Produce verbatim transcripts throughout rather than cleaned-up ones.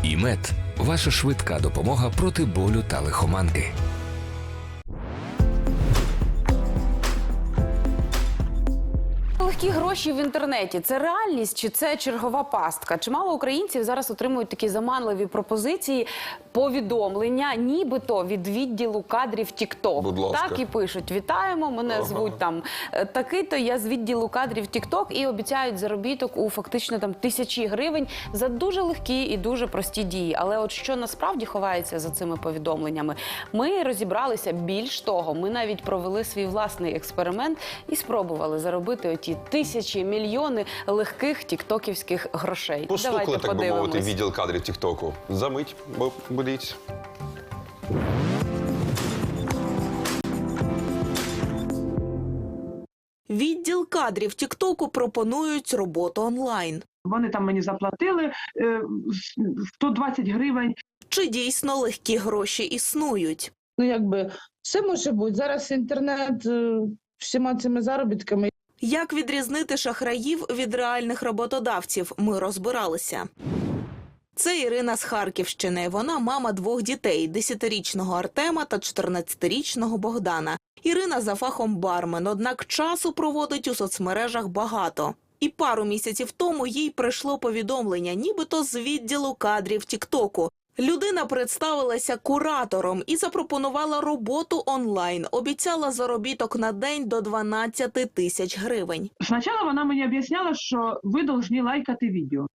ІМЕД – ваша швидка допомога проти болю та лихоманки. Легкі гроші в інтернеті – це реальність чи це чергова пастка? Чимало українців зараз отримують такі заманливі пропозиції, повідомлення, нібито від відділу кадрів TikTok. Будь ласка. Так і пишуть: вітаємо, мене Ага. звуть там такий-то, я з відділу кадрів TikTok, і обіцяють заробіток у фактично там тисячі гривень за дуже легкі і дуже прості дії. Але от що насправді ховається за цими повідомленнями? Ми розібралися. Більш того, ми навіть провели свій власний експеримент і спробували заробити оті тисячі, мільйони легких тіктоківських грошей. Постукали, Давайте так би мовити, подивимось. відділ кадрів Тіктоку. Замить, бо будіть. Відділ кадрів Тіктоку пропонують роботу онлайн. Вони там мені заплатили е, сто двадцять гривень. Чи дійсно легкі гроші існують? Ну, якби, все може бути. Зараз інтернет е, всіма цими заробітками. Як відрізнити шахраїв від реальних роботодавців, ми розбиралися. Це Ірина з Харківщини. Вона мама двох дітей – десятирічного Артема та чотирнадцятирічного Богдана. Ірина за фахом бармен, однак часу проводить у соцмережах багато. І пару місяців тому їй прийшло повідомлення, нібито з відділу кадрів Тіктоку. Людина представилася куратором і запропонувала роботу онлайн. Обіцяла заробіток на день до дванадцяти тисяч гривень. Спочатку вона мені об'ясняла, що ви повинні лайкати відео.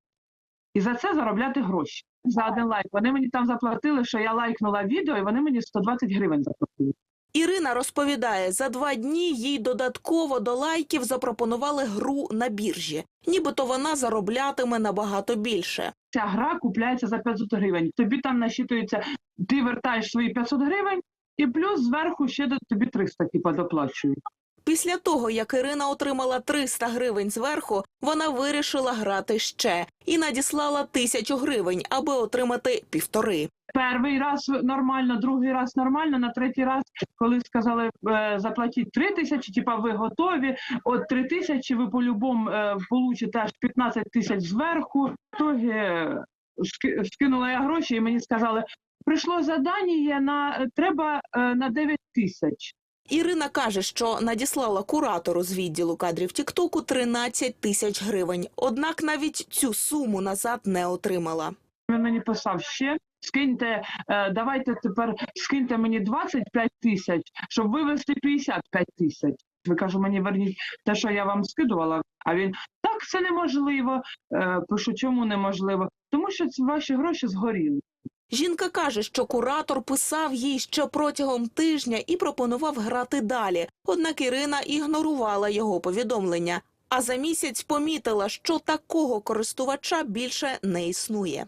І за це заробляти гроші. За один лайк. Вони мені там заплатили, що я лайкнула відео, і вони мені сто двадцять гривень заплатили. Ірина розповідає, за два дні їй додатково до лайків запропонували гру на біржі. Нібито вона зароблятиме набагато більше. Ця гра купляється за п'ятсот гривень. Тобі там насчитується, ти вертаєш свої п'ятсот гривень, і плюс зверху ще до тобі триста типа доплачують. Після того, як Ірина отримала триста гривень зверху, вона вирішила грати ще і надіслала тисячу гривень, аби отримати півтори. Перший раз нормально, другий раз нормально, на третій раз, коли сказали е, заплатіть три тисячі, типа ви готові, от три тисячі ви по-любому е, получите аж п'ятнадцять тисяч зверху. В итоге е, ски, скинула я гроші і мені сказали, прийшло завдання, на, треба е, на дев'ять тисяч. Ірина каже, що надіслала куратору з відділу кадрів Тіктоку тринадцять тисяч гривень. Однак навіть цю суму назад не отримала. Він мені писав ще, скиньте, е, давайте тепер скиньте мені двадцять п'ять тисяч, щоб вивести п'ятдесят п'ять тисяч. Ви кажу, мені верніть те, що я вам скидувала. А він, так, це неможливо. Е, пишу, чому неможливо? Тому що ці ваші гроші згоріли. Жінка каже, що куратор писав їй ще протягом тижня і пропонував грати далі. Однак Ірина ігнорувала його повідомлення. А за місяць помітила, що такого користувача більше не існує.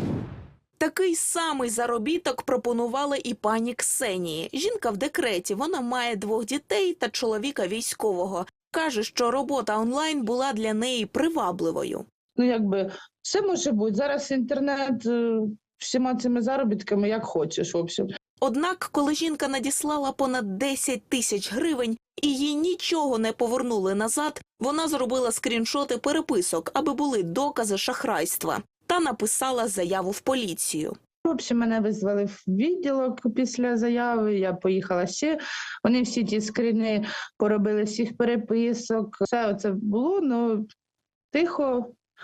Такий самий заробіток пропонували і пані Ксенії. Жінка в декреті, вона має двох дітей та чоловіка військового. Каже, що робота онлайн була для неї привабливою. Ну, якби, все може бути. Зараз інтернет е, всіма цими заробітками як хочеш, в общем. Однак, коли жінка надіслала понад десять тисяч гривень і їй нічого не повернули назад, вона зробила скріншоти переписок, аби були докази шахрайства, та написала заяву в поліцію. В общем, мене визвали в відділок після заяви, я поїхала ще. Вони всі ті скріни поробили всіх переписок. Все це було, ну, тихо,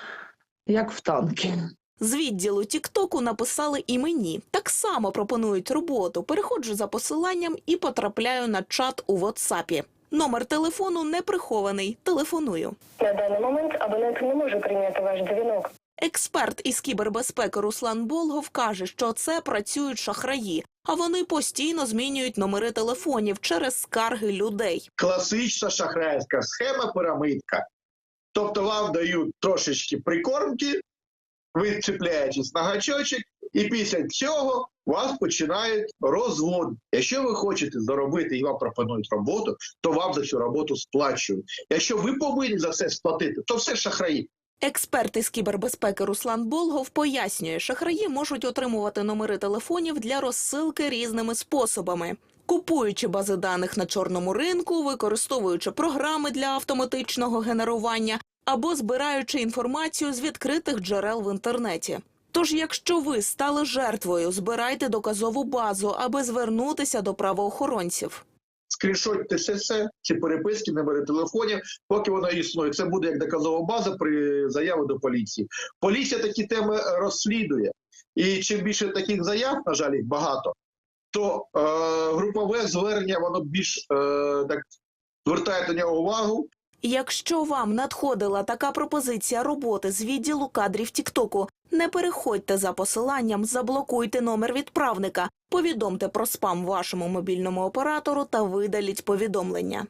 як в танки. З відділу Тіктоку написали і мені. Так само пропонують роботу. Переходжу за посиланням і потрапляю на чат у WhatsApp. Номер телефону не прихований. Телефоную. На даний момент абонент не може прийняти ваш дзвінок. Експерт із кібербезпеки Руслан Болгов каже, що це працюють шахраї, а вони постійно змінюють номери телефонів через скарги людей. Класична шахрайська схема, пірамидка. Тобто вам дають трошечки прикормки, ви чіпляєтесь на гачочок, і після цього вас починають розвод. Якщо ви хочете заробити і вам пропонують роботу, то вам за цю роботу сплачують. Якщо ви повинні за це сплатити, то все шахраї. Експерт із кібербезпеки Руслан Болгов пояснює, шахраї можуть отримувати номери телефонів для розсилки різними способами. Купуючи бази даних на чорному ринку, використовуючи програми для автоматичного генерування або збираючи інформацію з відкритих джерел в інтернеті. Тож, якщо ви стали жертвою, збирайте доказову базу, аби звернутися до правоохоронців. Скріншотьте все, все, ці переписки, номери телефонів, поки воно існує. Це буде як доказова база при заяві до поліції. Поліція такі теми розслідує. І чим більше таких заяв, на жаль, їх багато, то е, групове звернення, воно більш е, так звертає до нього увагу. Якщо вам надходила така пропозиція роботи з відділу кадрів Тіктоку, не переходьте за посиланням, заблокуйте номер відправника, повідомте про спам вашому мобільному оператору та видаліть повідомлення.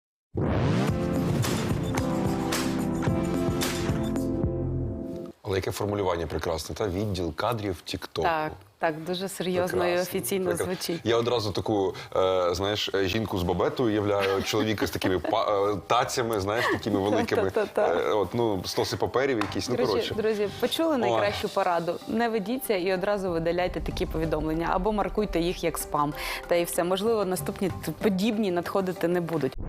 Але яке формулювання прекрасне, та відділ кадрів тіктоку. Так, так, дуже серйозно і Прекрасно, офіційно прекрасно. звучить. Я одразу таку, е, знаєш, жінку з бабету уявляю, чоловіка з такими па- е, тацями, знаєш, такими великими. Та-та-та. Е, от, ну, стоси паперів якісь, ну, Друзі, коротше. друзі, почули найкращу пораду? Не ведіться і одразу видаляйте такі повідомлення або маркуйте їх як спам. Та і все. Можливо, наступні подібні надходити не будуть.